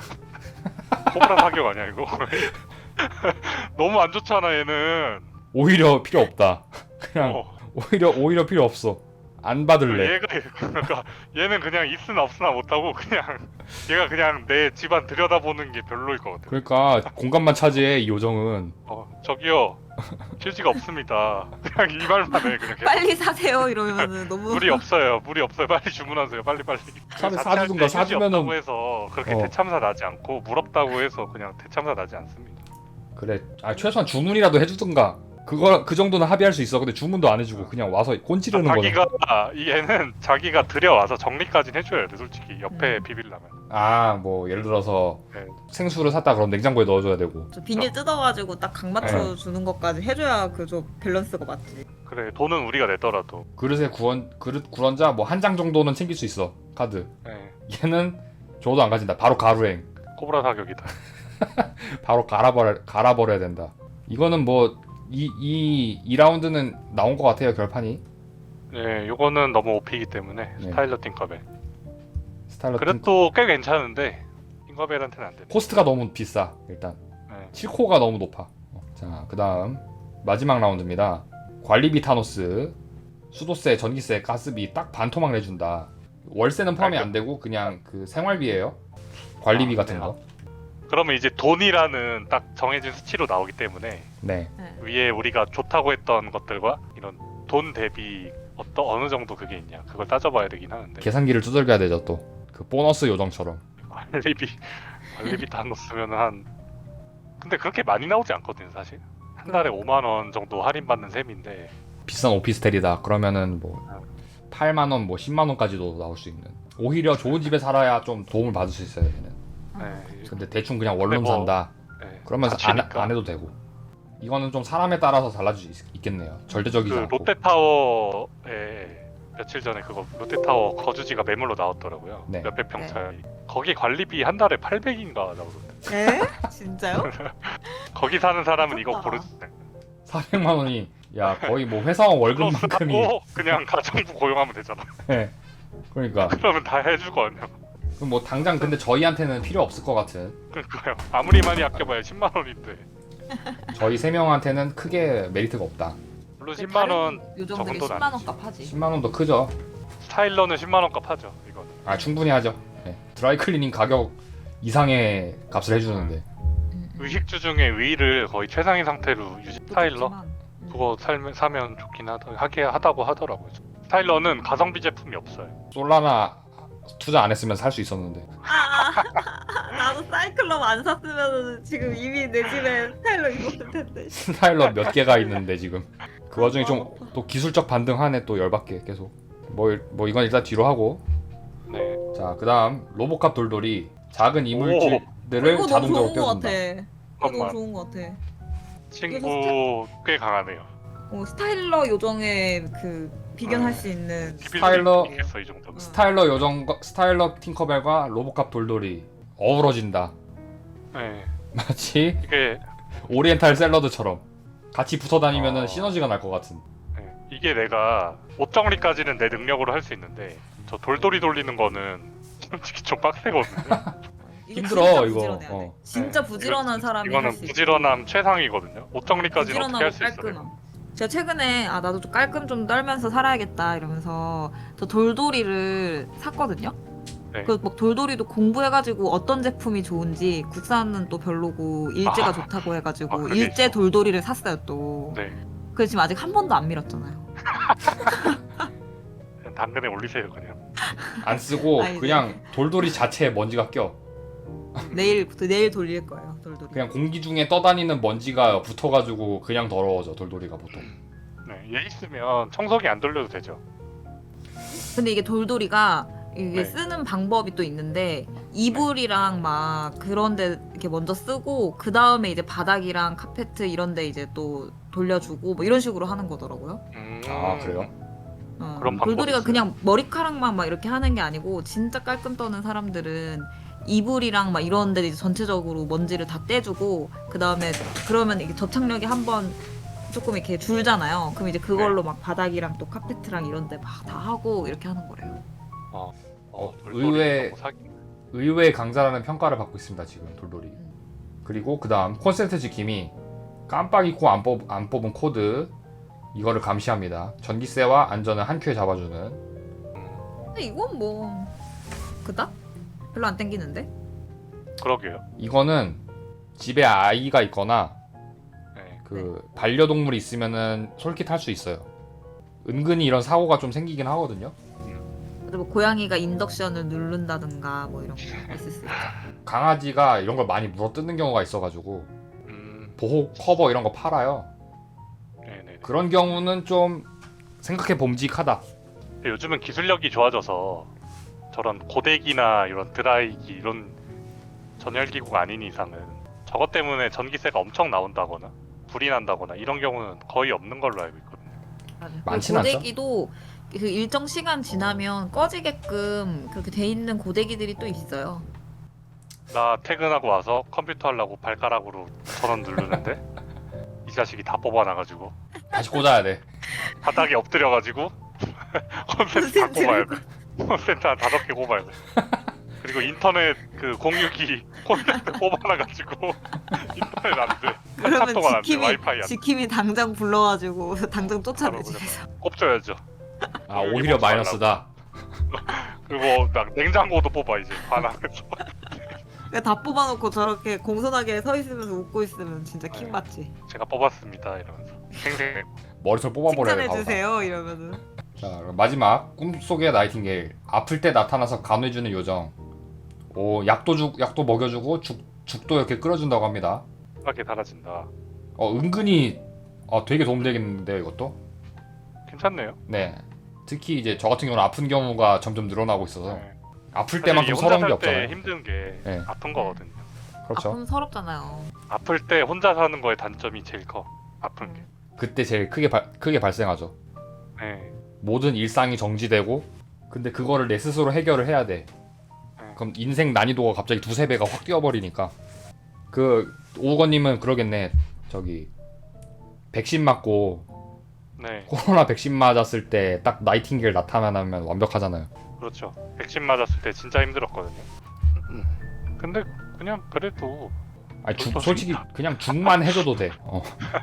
[SPEAKER 2] 코브라 사격 아니야 이거? 너무 안 좋잖아 얘는.
[SPEAKER 1] 오히려 필요 없다. 그냥
[SPEAKER 2] 어.
[SPEAKER 1] 오히려 오히려 필요 없어. 안 받을래.
[SPEAKER 2] 얘가 그러니까 얘는 그냥 있으나 없으나 못하고 그냥 얘가 그냥 내 집안 들여다보는 게 별로일 것 같아.
[SPEAKER 1] 그러니까 공간만 차지해 이 요정은.
[SPEAKER 2] 어 저기요 휴지가 없습니다. 그냥 이 말만 해 그냥. 계속.
[SPEAKER 3] 빨리 사세요 이러면은 너무
[SPEAKER 2] 물이 없어요. 물이 없어요. 빨리 주문하세요. 빨리 빨리.
[SPEAKER 1] 차라리
[SPEAKER 2] 자취할
[SPEAKER 1] 사주든가
[SPEAKER 2] 때 휴지
[SPEAKER 1] 사주면은-
[SPEAKER 2] 없다고 해서 그렇게
[SPEAKER 1] 어.
[SPEAKER 2] 대참사 나지 않고 물 없다고 해서 그냥 대참사 나지 않습니다.
[SPEAKER 1] 그래. 아 최소한 주문이라도 해주든가. 그거 그 정도는 합의할 수 있어. 근데 주문도 안 해주고 그냥 와서 꼰지르는 거네.
[SPEAKER 2] 자기가 얘는 자기가 들여와서 정리까지는 해줘야 돼 솔직히 옆에
[SPEAKER 3] 음.
[SPEAKER 2] 비빌라면.
[SPEAKER 1] 아 뭐 예를 들어서
[SPEAKER 2] 네.
[SPEAKER 1] 생수를 샀다 그럼 냉장고에 넣어줘야 되고.
[SPEAKER 3] 저 비닐 뜯어가지고 딱 각 맞춰 주는 것까지 해줘야 그 저 밸런스가 맞지.
[SPEAKER 2] 그래 돈은 우리가 내더라도.
[SPEAKER 1] 그릇에 구원 그릇 구런자 뭐 한 장 정도는 챙길 수 있어 카드.
[SPEAKER 2] 네.
[SPEAKER 1] 얘는 줘도 안 가진다. 바로 가루행.
[SPEAKER 2] 코브라 사격이다.
[SPEAKER 1] 바로 갈아버려 갈아버려야 된다. 이거는 뭐 이 이 이 라운드는 나온 것 같아요 결판이.
[SPEAKER 2] 네, 요거는 너무 오피이기 때문에
[SPEAKER 1] 네.
[SPEAKER 2] 스타일러 팅커벨.
[SPEAKER 1] 스타일러 팅
[SPEAKER 2] 그래도 꽤 괜찮은데 팅커벨한테는 안 되네.
[SPEAKER 1] 코스트가 너무 비싸 일단.
[SPEAKER 2] 네.
[SPEAKER 1] 칠 코가 너무 높아. 어, 자 그다음 마지막 라운드입니다. 관리비 타노스. 수도세, 전기세, 가스비 딱 반토막 내준다. 월세는 포함이 안 되고 그냥 그 생활비예요. 관리비
[SPEAKER 2] 아,
[SPEAKER 1] 같은
[SPEAKER 2] 네.
[SPEAKER 1] 거.
[SPEAKER 2] 그러면 이제 돈이라는 딱 정해진 수치로 나오기 때문에
[SPEAKER 1] 네.
[SPEAKER 3] 네.
[SPEAKER 2] 위에 우리가 좋다고 했던 것들과 이런 돈 대비 어떤 어느 정도 그게 있냐 그걸 따져봐야 되긴 하는데
[SPEAKER 1] 계산기를 두들겨야 되죠 또. 그 보너스 요정처럼.
[SPEAKER 2] 관리비 관리비 다 넣었으면 한 근데 그렇게 많이 나오지 않거든요 사실 한 달에 오만 원 정도 할인받는 셈인데
[SPEAKER 1] 비싼 오피스텔이다. 그러면은 뭐 팔만 원, 뭐 십만 원까지도 나올 수 있는. 오히려 좋은 집에 살아야 좀 도움을 받을 수 있어요. 얘는.
[SPEAKER 2] 네,
[SPEAKER 1] 근데 대충 그냥 원룸
[SPEAKER 2] 근데 뭐-
[SPEAKER 1] 산다.
[SPEAKER 2] 네,
[SPEAKER 1] 그러면 안,
[SPEAKER 2] 다치니까.
[SPEAKER 1] 안 해도 되고. 이거는 좀 사람에 따라서 달라질 수 있, 겠네요 절대적이지
[SPEAKER 2] 그
[SPEAKER 1] 않고.
[SPEAKER 2] 롯데타워에 며칠 전에 그거 롯데타워 거주지가 매물로 나왔더라고요.
[SPEAKER 1] 네.
[SPEAKER 2] 몇백 평짜리. 거기 관리비 한 달에 팔백인가 나오던데.
[SPEAKER 3] 에? 진짜요?
[SPEAKER 2] 거기 사는 사람은 이거
[SPEAKER 3] 미쳤다.
[SPEAKER 2] 고르지.
[SPEAKER 1] 사백만 원이 야 거의 뭐 회사원 월급만큼이.
[SPEAKER 2] 하고 그냥 가정부 고용하면 되잖아.
[SPEAKER 1] 네. 그러니까
[SPEAKER 2] 그러면 다 해줄 거 아니야.
[SPEAKER 1] 그럼 뭐 당장 근데 저희한테는 필요 없을 것 같은.
[SPEAKER 2] 그러니까요. 아무리 많이 아껴봐야 십만 원인데.
[SPEAKER 1] 저희 세 명한테는 크게 메리트가 없다.
[SPEAKER 2] 물론 십만 원
[SPEAKER 3] 요정들이
[SPEAKER 2] 정도는
[SPEAKER 3] 십만
[SPEAKER 2] 아니지.
[SPEAKER 3] 원 값 하지.
[SPEAKER 1] 십만 원도 크죠.
[SPEAKER 2] 스타일러는 십만 원 값 하죠. 이거는.
[SPEAKER 1] 아 충분히 하죠. 네. 드라이클리닝 가격 이상의 값을 해주는데.
[SPEAKER 3] 음, 음.
[SPEAKER 2] 의식주 중에 의를 거의 최상위 상태로 유지. 스타일러
[SPEAKER 3] 좋지만, 음.
[SPEAKER 2] 그거 살면 사면 좋긴 하다 하게 하다고 하더라고요. 스타일러는 가성비 제품이 없어요.
[SPEAKER 1] 솔라나 투자 안 했으면 살 수 있었는데.
[SPEAKER 3] 아, 아, 나도 사이클럽 안 샀으면 지금 이미 내 집에 스타일러 입었을 텐데.
[SPEAKER 1] 스타일러 몇 개가 있는데 지금 그 와중에 좀 또 기술적 반등하네 또 열받게 계속 뭐, 뭐 이건 일단 뒤로 하고
[SPEAKER 2] 네.
[SPEAKER 1] 자 그다음 로보캅 돌돌이 작은 이물질들을
[SPEAKER 3] 이거 너무
[SPEAKER 1] 자동적으로
[SPEAKER 3] 좋은 거 같아.
[SPEAKER 1] 떼어준다.
[SPEAKER 3] 이거 너무
[SPEAKER 2] 잠깐만.
[SPEAKER 3] 좋은 거 같아.
[SPEAKER 2] 친구 꽤 강하네요.
[SPEAKER 3] 어, 스타일러 요정에 그 비견할 수 있는.
[SPEAKER 1] 스타일러-
[SPEAKER 2] 있겠어 이 정도면.
[SPEAKER 1] 스타일러 요정 스타일러 팅커벨과 로보캅 돌돌이 어우러진다.
[SPEAKER 2] 네.
[SPEAKER 1] 마치
[SPEAKER 2] 이게
[SPEAKER 1] 오리엔탈 샐러드처럼 같이 붙어 다니면은
[SPEAKER 2] 어.
[SPEAKER 1] 시너지가 날 것 같은.
[SPEAKER 2] 네. 이게 내가 옷 정리까지는 내 능력으로 할 수 있는데 저 돌돌이 돌리는 거는 솔직히 좀 빡세거든요.
[SPEAKER 3] 이거
[SPEAKER 1] 힘들어,
[SPEAKER 3] 진짜
[SPEAKER 1] 이거.
[SPEAKER 3] 부지런해야 돼.
[SPEAKER 1] 어.
[SPEAKER 3] 진짜
[SPEAKER 2] 네.
[SPEAKER 3] 부지런한
[SPEAKER 2] 이거-
[SPEAKER 3] 사람이
[SPEAKER 2] 이거는
[SPEAKER 3] 할 수 있어.
[SPEAKER 2] 부지런함 최상이거든요. 옷 정리까지는 어떻게 할 수 있어요?
[SPEAKER 3] 깔끔함. 제가 최근에 아 나도 좀 깔끔 좀 떨면서 살아야겠다 이러면서 저 돌돌이를 샀거든요.
[SPEAKER 2] 네.
[SPEAKER 3] 그 막 돌돌이도 공부해가지고 어떤 제품이 좋은지 국산은 또 별로고 일제가
[SPEAKER 2] 아.
[SPEAKER 3] 좋다고
[SPEAKER 2] 아,
[SPEAKER 3] 해가지고
[SPEAKER 2] 그게
[SPEAKER 3] 일제
[SPEAKER 2] 있어.
[SPEAKER 3] 돌돌이를 샀어요 또.
[SPEAKER 2] 네.
[SPEAKER 3] 그래서 지금 아직 한 번도 안 밀었잖아요.
[SPEAKER 2] 그냥 당근에 올리세요 그냥.
[SPEAKER 1] 안 쓰고
[SPEAKER 3] 아이고.
[SPEAKER 1] 그냥 돌돌이 자체에 먼지가 껴.
[SPEAKER 3] 내일부터 내일 돌릴 거예요 돌돌이.
[SPEAKER 1] 그냥 공기 중에 떠다니는 먼지가 붙어가지고 그냥 더러워져 돌돌이가 보통.
[SPEAKER 2] 네. 얘 있으면 청소기 안 돌려도 되죠.
[SPEAKER 3] 근데 이게 돌돌이가 이게
[SPEAKER 2] 네.
[SPEAKER 3] 쓰는 방법이 또 있는데 이불이랑 막 그런데 이렇게 먼저 쓰고 그 다음에 이제 바닥이랑 카페트 이런데 이제 또 돌려주고 뭐 이런 식으로 하는 거더라고요.
[SPEAKER 2] 음...
[SPEAKER 1] 아 그래요?
[SPEAKER 3] 어,
[SPEAKER 2] 그런 방법이
[SPEAKER 3] 돌돌이가
[SPEAKER 2] 있어요?
[SPEAKER 3] 그냥 머리카락만 막 이렇게 하는 게 아니고 진짜 깔끔 떠는 사람들은 이불이랑 막 이런데 이제 전체적으로 먼지를 다 떼주고 그 다음에 그러면 이게 접착력이 한번 조금 이렇게 줄잖아요. 그럼 이제 그걸로
[SPEAKER 2] 네.
[SPEAKER 3] 막 바닥이랑 또 카페트랑 이런데 막 다 하고 이렇게 하는 거래요.
[SPEAKER 2] 어,
[SPEAKER 1] 어,
[SPEAKER 2] 돌돌이
[SPEAKER 1] 의외-
[SPEAKER 2] 너무 사기.
[SPEAKER 1] 의외의 강자라는 평가를 받고 있습니다 지금 돌돌이. 그리고 그 다음 콘센트 지킴이 깜빡 잊고 안, 뽑, 안 뽑은 코드 이거를 감시합니다. 전기세와 안전을 한 큐에 잡아주는.
[SPEAKER 3] 근데 이건 뭐 그닥 별로 안 땡기는데.
[SPEAKER 2] 그러게요.
[SPEAKER 1] 이거는 집에 아이가 있거나
[SPEAKER 2] 네.
[SPEAKER 1] 그 반려동물이 있으면은 솔깃할 수 있어요. 은근히 이런 사고가 좀 생기긴 하거든요.
[SPEAKER 3] 그래도 뭐 고양이가 인덕션을 누른다든가 뭐 이런 거 있을 수 있죠.
[SPEAKER 1] 강아지가 이런 걸 많이 물어뜯는 경우가 있어가지고
[SPEAKER 2] 음,
[SPEAKER 1] 보호 커버 이런 거 팔아요.
[SPEAKER 2] 네네.
[SPEAKER 1] 그런 경우는 좀 생각해 봄직하다.
[SPEAKER 2] 근데 요즘은 기술력이 좋아져서 저런 고데기나 이런 드라이기 이런 전열기구가 아닌 이상은 저것 때문에 전기세가 엄청 나온다거나 불이 난다거나 이런 경우는 거의 없는 걸로 알고 있거든요.
[SPEAKER 3] 맞아요.
[SPEAKER 1] 많진 않죠?
[SPEAKER 3] 고데기도 그 일정 시간 지나면 꺼지게끔 그렇게 돼 있는 고데기들이 또 있어요.
[SPEAKER 2] 나 퇴근하고 와서 컴퓨터 하려고 발가락으로 전원 누르는데 이 자식이 다 뽑아놔가지고
[SPEAKER 1] 다시 꽂아야 돼.
[SPEAKER 2] 바닥에 엎드려가지고 콘센트 다 꼽아야 돼. 콘센트 한 다섯 개 꼽아야 돼. 그리고 인터넷 그 공유기 콘센트 꼽아놔가지고 인터넷 안 돼. 한참
[SPEAKER 3] 그러면
[SPEAKER 2] 동안 안 돼.
[SPEAKER 3] 지킴이
[SPEAKER 2] 와이파이 안 돼.
[SPEAKER 3] 지킴이 당장 불러가지고 당장 쫓아내
[SPEAKER 2] 바로
[SPEAKER 3] 집에서.
[SPEAKER 2] 꼽줘야죠.
[SPEAKER 1] 아 오히려 마이너스다.
[SPEAKER 2] 그리고 막 냉장고도 뽑아 이제 반항해서.
[SPEAKER 3] 그러니까 다 뽑아놓고 저렇게 공손하게 서 있으면서 웃고 있으면 진짜 킹 받지.
[SPEAKER 2] 제가 뽑았습니다 이러면서 생생.
[SPEAKER 1] 머리털 뽑아버려요.
[SPEAKER 3] 칭찬해
[SPEAKER 1] 바보가.
[SPEAKER 3] 주세요 이러면은.
[SPEAKER 1] 자 그럼 마지막 꿈속의 나이팅게일. 아플 때 나타나서 간호해주는 요정. 오 약도 주 약도 먹여주고 죽 죽도 이렇게 끓여준다고 합니다.
[SPEAKER 2] 하게 달아진다.
[SPEAKER 1] 어 은근히 어 되게 도움되겠는데요 이것도.
[SPEAKER 2] 괜찮네요.
[SPEAKER 1] 네. 특히 이제 저 같은 경우는 아픈 경우가 점점 늘어나고 있어서
[SPEAKER 2] 네.
[SPEAKER 1] 아플
[SPEAKER 2] 사실
[SPEAKER 1] 때만큼
[SPEAKER 2] 이게
[SPEAKER 1] 서러운 게
[SPEAKER 2] 혼자 살 때
[SPEAKER 1] 없잖아요.
[SPEAKER 2] 힘든 게
[SPEAKER 1] 네.
[SPEAKER 2] 아픈 거거든요.
[SPEAKER 1] 그렇죠.
[SPEAKER 3] 아픔 서럽잖아요.
[SPEAKER 2] 아플 때 혼자 사는 거의 단점이 제일 커. 아픈 게.
[SPEAKER 1] 그때 제일 크게 발, 크게 발생하죠.
[SPEAKER 2] 네.
[SPEAKER 1] 모든 일상이 정지되고 근데 그거를 내 스스로 해결을 해야 돼.
[SPEAKER 2] 네.
[SPEAKER 1] 그럼 인생 난이도가 갑자기 두세 배가 확 뛰어버리니까. 그 오우건님은 그러겠네. 저기 백신 맞고
[SPEAKER 2] 네.
[SPEAKER 1] 코로나 백신 맞았을 때 딱 나이팅게일 나타나면 완벽하잖아요.
[SPEAKER 2] 그렇죠. 백신 맞았을 때 진짜 힘들었거든요. 근데 그냥 그래도
[SPEAKER 1] 아니 죽,
[SPEAKER 2] 그것도
[SPEAKER 1] 솔직히
[SPEAKER 2] 진짜.
[SPEAKER 1] 그냥 죽만 해줘도 돼. 어.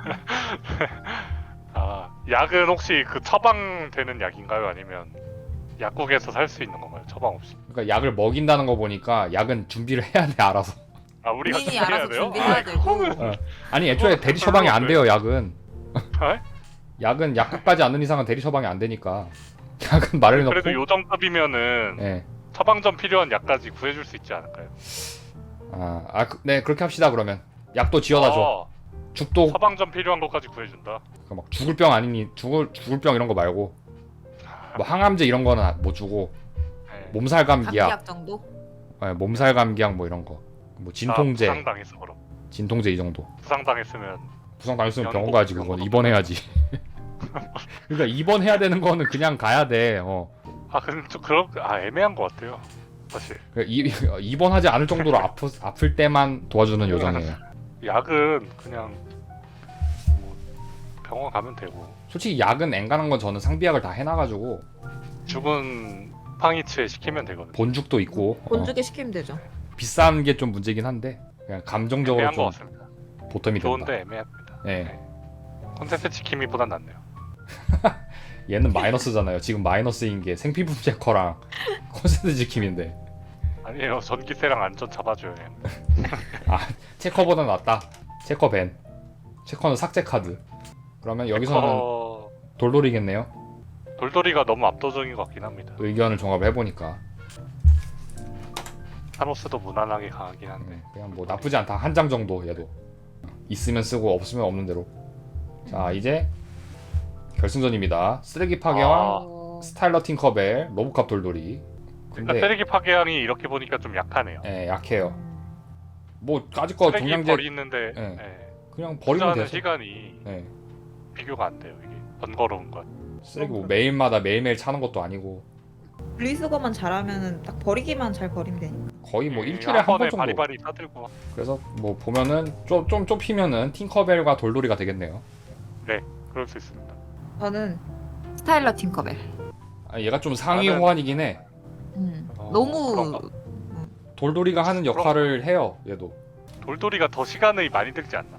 [SPEAKER 2] 아 약은 혹시 그 처방되는 약인가요? 아니면 약국에서 살 수 있는 건가요? 처방 없이?
[SPEAKER 1] 그러니까 약을 먹인다는 거 보니까 약은 준비를 해야 돼 알아서.
[SPEAKER 2] 아 우리가
[SPEAKER 3] 본인이
[SPEAKER 2] 준비해야
[SPEAKER 3] 알아서
[SPEAKER 2] 돼요?
[SPEAKER 3] 준비해야 되고.
[SPEAKER 1] 어. 아니 애초에 대리 처방이 안 돼요 약은.
[SPEAKER 2] 아,
[SPEAKER 1] 약은 약국까지 않는 이상은 대리 처방이 안 되니까. 약은 말을 넣고.
[SPEAKER 2] 그래도 요정급이면은
[SPEAKER 1] 예.
[SPEAKER 2] 처방전 필요한 약까지 구해줄 수 있지 않을까요?
[SPEAKER 1] 아, 아, 그- 네 그렇게 합시다 그러면. 약도 지어다 줘.
[SPEAKER 2] 아,
[SPEAKER 1] 죽도
[SPEAKER 2] 처방전 필요한 것까지 구해준다.
[SPEAKER 1] 그막 죽을 병 아니니 죽을 죽을 병 이런 거 말고 뭐 항암제 이런 거는 못 주고
[SPEAKER 2] 네.
[SPEAKER 1] 몸살 감기약,
[SPEAKER 3] 감기약 정도?
[SPEAKER 1] 네, 몸살 감기약 뭐 이런 거, 뭐 진통제,
[SPEAKER 2] 아, 부상당했어 그럼.
[SPEAKER 1] 진통제 이 정도.
[SPEAKER 2] 부상당했으면
[SPEAKER 1] 부상 당했으면 병원
[SPEAKER 2] 연고-
[SPEAKER 1] 가야지. 그건
[SPEAKER 2] 연고도
[SPEAKER 1] 입원해야지. 그러니까 입원해야 되는 거는 그냥 가야 돼. 어.
[SPEAKER 2] 아 근데 좀 그런 아 애매한 것 같아요. 사실
[SPEAKER 1] 그러니까 이, 입원하지 않을 정도로 아프, 아플 때만 도와주는 요정이에요.
[SPEAKER 2] 약은 그냥 뭐 병원 가면 되고
[SPEAKER 1] 솔직히 약은 앵간한 건 저는 상비약을 다 해놔가지고
[SPEAKER 2] 죽은 팡이츠에 시키면 되거든요.
[SPEAKER 1] 본죽도 있고 어,
[SPEAKER 3] 본죽에 시키면 되죠.
[SPEAKER 1] 비싼 게 좀 문제긴 한데 그냥 감정적으로
[SPEAKER 2] 애매한 것
[SPEAKER 1] 좀
[SPEAKER 2] 같습니다.
[SPEAKER 1] 보탬이 된다.
[SPEAKER 2] 좋은데 애매합니다.
[SPEAKER 1] 예.
[SPEAKER 2] 콘센트 지킴이보단 낫네요.
[SPEAKER 1] 얘는 마이너스잖아요. 지금 마이너스인 게 생피품 체커랑 콘센트 지킴인데
[SPEAKER 2] 아니에요. 전기세랑 안전 잡아줘요. 얘는.
[SPEAKER 1] 체커보다 낫다. 체커 밴. 체커는 삭제 카드. 그러면 여기서는
[SPEAKER 2] 어...
[SPEAKER 1] 돌돌이겠네요.
[SPEAKER 2] 돌돌이가 너무 압도적인 것 같긴 합니다.
[SPEAKER 1] 의견을 종합을 해보니까
[SPEAKER 2] 타노스도 무난하게 강하긴 한데
[SPEAKER 1] 음, 그냥 뭐 나쁘지 않다. 한 장 정도 얘도 있으면 쓰고 없으면 없는 대로. 자 이제 결승전입니다. 쓰레기 파괴왕,
[SPEAKER 2] 아.
[SPEAKER 3] 어...
[SPEAKER 1] 스타일러 팅커벨, 로보캅 돌돌이.
[SPEAKER 2] 그러니까
[SPEAKER 1] 근데
[SPEAKER 2] 쓰레기 파괴왕이 이렇게 보니까 좀 약하네요.
[SPEAKER 1] 예, 약해요.
[SPEAKER 3] 음.
[SPEAKER 1] 뭐 까짓거
[SPEAKER 2] 쓰레기
[SPEAKER 1] 동량제
[SPEAKER 2] 버리는데
[SPEAKER 1] 예.
[SPEAKER 2] 예.
[SPEAKER 1] 그냥 버리면
[SPEAKER 2] 투자하는
[SPEAKER 1] 돼요.
[SPEAKER 2] 시간이
[SPEAKER 1] 예.
[SPEAKER 2] 비교가 안 돼요. 이게 번거로운 것.
[SPEAKER 1] 쓰레기 뭐 매일마다 매일매일 차는 것도 아니고
[SPEAKER 3] 분리수거만 잘하면은 딱 버리기만 잘 버리면 되니까.
[SPEAKER 1] 거의 뭐
[SPEAKER 2] 예,
[SPEAKER 1] 일주일에 한 번
[SPEAKER 2] 번에
[SPEAKER 1] 정도.
[SPEAKER 2] 바리바리 사들고
[SPEAKER 1] 그래서 뭐 보면은 좀, 좀 좁히면은 팅커벨과 돌돌이가 되겠네요.
[SPEAKER 2] 그럴 수 있습니다.
[SPEAKER 3] 저는 스타일러 팅커벨.
[SPEAKER 1] 아, 얘가 좀 상위
[SPEAKER 2] 나는-
[SPEAKER 1] 호환이긴 해.
[SPEAKER 3] 음.
[SPEAKER 2] 어,
[SPEAKER 3] 너무
[SPEAKER 2] 그런가?
[SPEAKER 1] 돌돌이가 하는 역할을 해요. 얘도.
[SPEAKER 2] 돌돌이가 더 시간이 많이 들지 않나?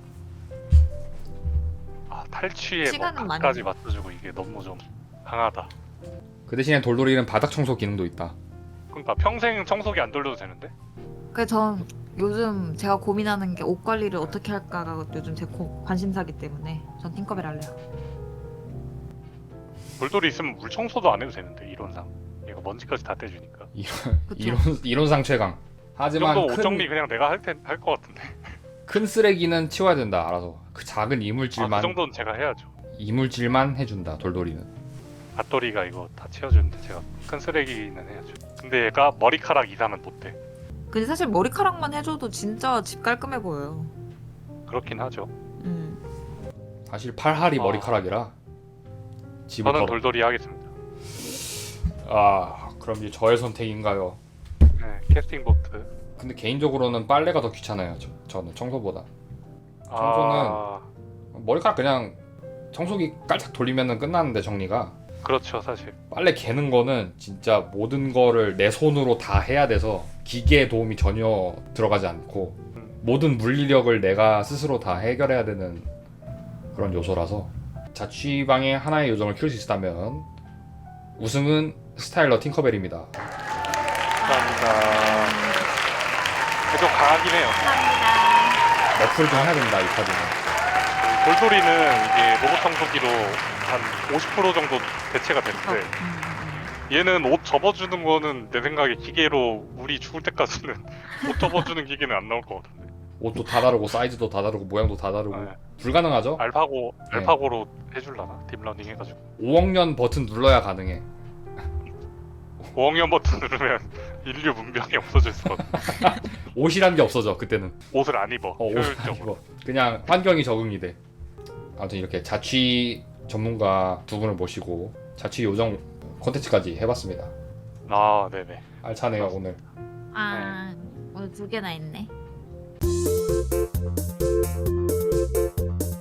[SPEAKER 2] 아 탈취에 뭐
[SPEAKER 3] 시간은 많이
[SPEAKER 2] 각까지
[SPEAKER 3] 들어.
[SPEAKER 2] 맞춰주고 이게 너무 좀 강하다.
[SPEAKER 1] 그 대신에 돌돌이는 바닥 청소 기능도 있다.
[SPEAKER 2] 그러니까 평생 청소기 안 돌려도 되는데?
[SPEAKER 3] 그래서 전 요즘 제가 고민하는 게 옷 관리를 어떻게 할까가 요즘 제 고, 관심사기 때문에 전 팅커벨 할래요.
[SPEAKER 2] 돌돌이 있으면 물 청소도 안 해도 되는데 이론상 얘가 먼지까지 다 떼주니까.
[SPEAKER 3] 그쵸?
[SPEAKER 1] 이론 이론상 최강.
[SPEAKER 2] 이
[SPEAKER 1] 하지만
[SPEAKER 2] 정도 옷
[SPEAKER 1] 큰,
[SPEAKER 2] 정리 그냥 내가 할텐할 것 같은데.
[SPEAKER 1] 큰 쓰레기는 치워야 된다. 알아서. 그 작은
[SPEAKER 2] 아,
[SPEAKER 1] 이물질만
[SPEAKER 2] 그 정도는 제가 해야죠.
[SPEAKER 1] 이물질만 해준다. 돌돌이는.
[SPEAKER 2] 밭돌이가 이거 다 치워주는데 제가 큰 쓰레기는 해야죠. 근데 얘가 머리카락 이상은 못 돼.
[SPEAKER 3] 근데 사실 머리카락만 해줘도 진짜 집 깔끔해 보여요.
[SPEAKER 2] 그렇긴 하죠.
[SPEAKER 3] 음.
[SPEAKER 1] 사실 팔할이
[SPEAKER 2] 아.
[SPEAKER 1] 머리카락이라 집을
[SPEAKER 2] 저는
[SPEAKER 1] 더...
[SPEAKER 2] 돌돌이 하겠습니다.
[SPEAKER 1] 아 그럼 이제 저의 선택인가요?
[SPEAKER 2] 네, 캐스팅 보트.
[SPEAKER 1] 근데 개인적으로는 빨래가 더 귀찮아요. 저, 저는 청소보다.
[SPEAKER 2] 아,
[SPEAKER 1] 머리카락 그냥 청소기 깔짝 돌리면은 끝나는데 정리가.
[SPEAKER 2] 그렇죠 사실.
[SPEAKER 1] 빨래 개는 거는 진짜 모든 거를 내 손으로 다 해야 돼서 기계의 도움이 전혀 들어가지 않고
[SPEAKER 2] 음.
[SPEAKER 1] 모든 물리력을 내가 스스로 다 해결해야 되는 그런 요소라서 자취방에 하나의 요정을 키울 수 있다면 우승은 스타일러 팅커벨입니다.
[SPEAKER 2] 감사합니다. 좀 강하긴 해요.
[SPEAKER 3] 감사합니다.
[SPEAKER 1] 너프를 좀 해야 된다 이 카드는.
[SPEAKER 2] 돌돌이는 이게 로봇 청소기로 한 오십 퍼센트 정도 대체가
[SPEAKER 3] 어,
[SPEAKER 2] 되는데
[SPEAKER 3] 음.
[SPEAKER 2] 얘는 옷 접어주는 거는 내 생각에 기계로 우리 죽을 때까지는 옷 접어주는 기계는 안 나올 것 같은데.
[SPEAKER 1] 옷도 다 다르고 사이즈도 다 다르고 모양도 다 다르고
[SPEAKER 2] 네.
[SPEAKER 1] 불가능하죠?
[SPEAKER 2] 알파고
[SPEAKER 1] 네.
[SPEAKER 2] 알파고로 해줄라나 딥러닝 해가지고
[SPEAKER 1] 오억 년 버튼 눌러야 가능해.
[SPEAKER 2] 오억 년 버튼 누르면 인류 문명이 없어질 수거든.
[SPEAKER 1] 옷이란 게 없어져 그때는.
[SPEAKER 2] 옷을 안 입어.
[SPEAKER 1] 어, 옷
[SPEAKER 2] 효율적으로.
[SPEAKER 1] 아니고 그냥 환경이 적응이 돼. 아무튼 이렇게 자취 전문가 두 분을 모시고 자취 요정 콘텐츠까지 해봤습니다.
[SPEAKER 2] 아 네네.
[SPEAKER 1] 알차네요 오늘.
[SPEAKER 3] 아, 오늘 두 개나 있네.